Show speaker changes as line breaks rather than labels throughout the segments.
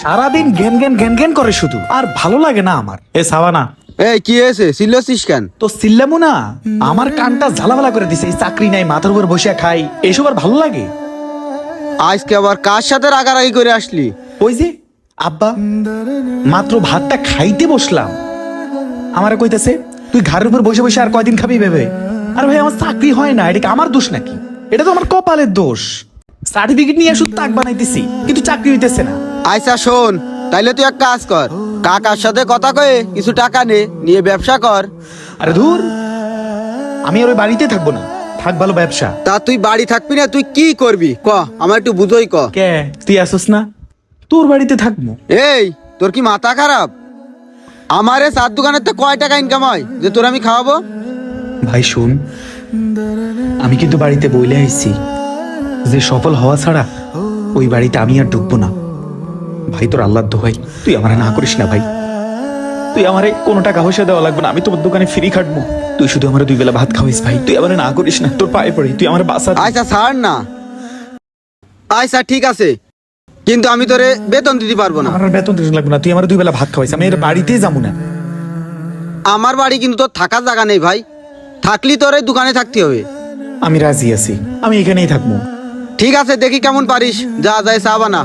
সারাদিন জ্ঞান জ্ঞান জ্ঞান জ্ঞান করে শুধু, আর ভালো লাগে না আমার। এ সাবানা,
এই কি হয়েছে, চিল্লাছিস কেন?
তো সিল্লামু না, আমার কানটা ঝালাভালা করে দিছে। এই চাকরি নাই, মাথার উপর বসে খাই, এসব আর ভালো লাগে?
আজকে আবার কার সাথে রাগারাগি করে আসলি?
ওই যে আব্বা, মাত্র ভাতটা খাইতে বসলাম, আমারে কইতেছে তুই ঘরের উপর বসে বসে আর কয়দিন খাবি ভেবে। আর ভাই আমার চাকরি হয় না, এটা কি আমার দোষ নাকি? এটা তো আমার কপালের দোষ। সার্টিফিকেট নিয়ে শুধু তাক বানাইতেছি, কিন্তু চাকরি হইতেছে না।
আচ্ছা শোন, তাইলে তুই এক কাজ কর, কাকার সাথে কথা কয়ে কিছু টাকা নিয়ে ব্যবসা কর।
আরে ধুর, আমি আর ওই বাড়িতে থাকবো না, থাক ভালো ব্যবসা।
তা তুই বাড়ি থাকবি না, তুই কি করবি ক, আমার একটু বুঝোই ক।
কে তুই আসোস না, তোর বাড়িতে থাকবো।
এই তোর কি মাথা খারাপ? আমার এই চার দোকানের তো কয় টাকা ইনকাম হয় যে তোর আমি খাওয়াবো?
ভাই শুন, আমি কিন্তু বাড়িতে বইলে আইছি যে সফল হওয়া ছাড়া ওই বাড়িতে আমি আর ঢুকবো না। ভাই তোর আল্লাহর দোহাই, তুই আমারে না করিস না ভাই। তুই আমারে কোনো টাকা পয়সা দেওয়া লাগবে না, আমি তোমার দোকানে ফ্রি খাটবো। তুই শুধু আমার 2 বেলা ভাত খাওয়াইস ভাই, তুই আমারে না করিস না, তোর পায়ে পড়ি, তুই আমার বাসা।
আচ্ছা ছাড় না, আচ্ছা ঠিক আছে, কিন্তু আমি তোরে বেতন দিতে পারবো না।
আমার আর বেতন দিতে লাগবে না, তুই আমার 2 বেলা ভাত খাওয়াইস, আমি এর বাড়িতেই যাবো না।
আমার বাড়ি কিন্তু তোর থাকার জায়গা নেই ভাই, থাকলি তোর এই দোকানে থাকতে হবে।
আমি রাজি আছি, আমি এখানেই থাকবো।
ঠিক আছে, দেখি কেমন পারিস, যা যায় চা বানা।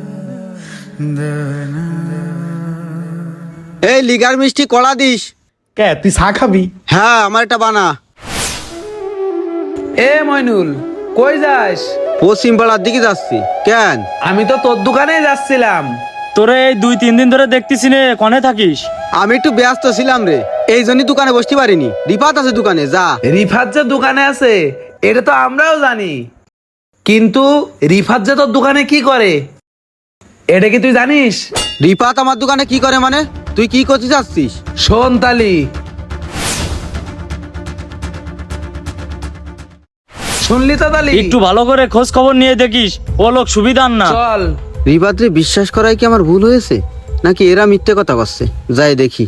এই লিগার মিষ্টি কড়া দিস।
কে তুই চা খাবি?
হ্যাঁ, আমার এটা বানা।
এ মইনুল, কই যাস?
পশ্চিম পাড়ার দিকে যাচ্ছি। কেন?
আমি তো তোর দোকানেই যাচ্ছিলাম।
তোরে এই 2-3 দিন ধরে দেখতেছি নে, কনে থাকিস?
আমি একটু ব্যস্ত ছিলাম রে, এই জন্যই দোকানে বসতে পারিনি। রিপাত আছে দোকানে, যা।
রিফাত যে দোকানে আছে এটা তো আমরাও জানি, কিন্তু রিফাত যে তোর দোকানে কি করে এটা কি তুই জানিস?
রিপাত আমার দোকানে কি করে মানে? তুই কি করতে যাচ্ছিস?
শোন তালি, শুনলি তো তালি?
একটু ভালো করে খোঁজ খবর নিয়ে দেখিস, ও লোক সুবিধার না।
চল।
রিপাত রে বিশ্বাস করাই কি আমার ভুল হয়েছে, নাকি এরা মিথ্যে কথা করছে? যাই দেখি।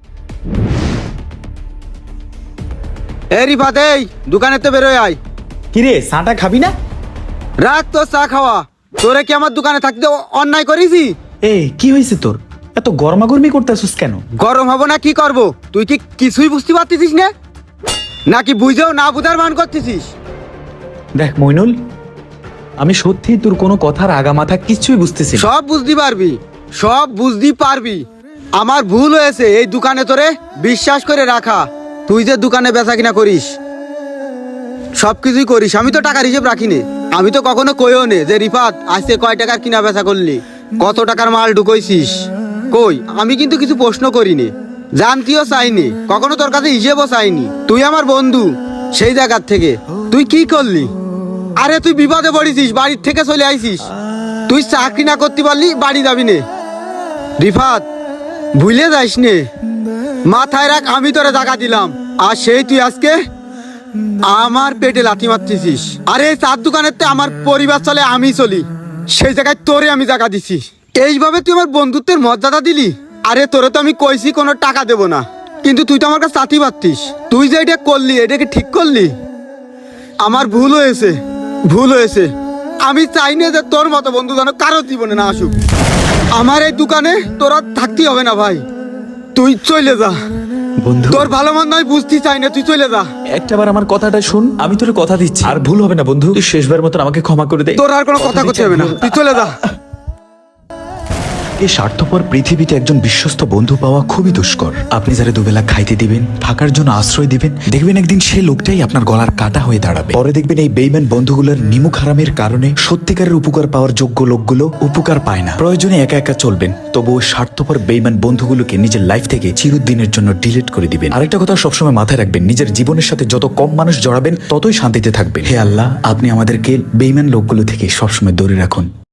এই রিপাত, এই দোকানে তো বেরোয় আয়।
কিরে চাটা খাবি না?
রাখ তো চা খাওয়া, তোরে কি আমার দোকানে থাকতে অন্যায় করেছি?
এই কি হয়েছে তোর, এত গরমাগরমি করতেছিস কেন?
গরম হবো না কি করব? তুই কি কিছুই বুঝতে পারতেছিস না, নাকি বুঝেও না বুঝার মান করতেছিস?
দেখ মইনুল, আমি সত্যি তোর কোনো কথার আগা মাথা কিছুই বুঝতেছি না।
সব বুঝতে পারবি, সব বুঝতে পারবি। আমার ভুল হয়েছে এই দোকানে তোরে বিশ্বাস করে রাখা। তুই যে দোকানে বেচা কিনা করিস, সবকিছুই করিস, আমি তো টাকার হিসেব রাখি নে। আমি তো কখনো কইও নে যে রিফাত আজকে কয় টাকার কিনা বেচা করলি, কত টাকার মাল ঢুকইছিস। কই, আমি কিন্তু কিছু প্রশ্ন করিনি, জানতিও চাইনি, কখনো তোর কাছে হিসেবও চাইনি। তুই আমার বন্ধু, সেই জায়গার থেকে তুই কি করলি? আরে তুই বিপদে পড়েছিস, বাড়ির থেকে চলে আইছিস, তুই চাকরি না করতে পারলি বাড়ি যাবি নে। রিফাত, ভুলে যাইস নে, মাথায় রাখ, আমি তোরে জায়গা দিলাম, আর সেই তুই আজকে আমার পেটে লাথি মারতেছিস। আরে এই চার দোকানের আমার পরিবার চলে, আমি চলি, সেই জায়গায় তোরে আমি জায়গা দিছি। এইভাবে তুই আমার বন্ধুত্বের মর্যাদা দিলি? আরে তোরে তো আমি কইছি কোনো টাকা দেব না, কিন্তু তুই তো আমার কাছে চাতি পারতিস। তুই যে এটা করলি, এটাকে ঠিক করলি? আমার ভুল হয়েছে, ভুল হয়েছে। আমি চাই না যে তোর মতো বন্ধু যেন কারো জীবনে না আসুক। আমার এই দোকানে তোরা থাকতেই হবে না ভাই, তুই চলে যা।
বন্ধু,
তোর ভালো মন্দ আমি বুঝতে চাই না, তুই চলে যা।
একটাবার আমার কথাটা শুন, আমি তোর কথা দিচ্ছি, আর ভুল হবে না বন্ধু, তুই শেষবার মতন আমাকে ক্ষমা করে দে।
তোর আর কোনো কথা করতে হবে না, তুই চলে যা।
এই স্বার্থপর পৃথিবীতে একজন বিশ্বস্ত বন্ধু পাওয়া খুবই দুষ্কর। আপনি যারা দুবেলা খাইতে দিবেন, থাকার জন্য আশ্রয় দিবেন, দেখবেন একদিন সেই লোকটাই আপনার গলার কাটা হয়ে দাঁড়াবে। পরে দেখবেন এই বেইমান বন্ধুগুলোর নিমুখ হারামের কারণে সত্যিকারের উপকার পাওয়ার যোগ্য লোকগুলো উপকার পায় না। প্রয়োজনে একা একা চলবেন, তবুও স্বার্থপর বেইমান বন্ধুগুলোকে নিজের লাইফ থেকে চিরদিনের জন্য ডিলিট করে দিবেন। আরেকটা কথা সবসময় মাথায় রাখবেন, নিজের জীবনের সাথে যত কম মানুষ জড়াবেন ততই শান্তিতে থাকবেন। হে আল্লাহ, আপনি আমাদেরকে বেইমান লোকগুলো থেকে সবসময় দূরে রাখুন।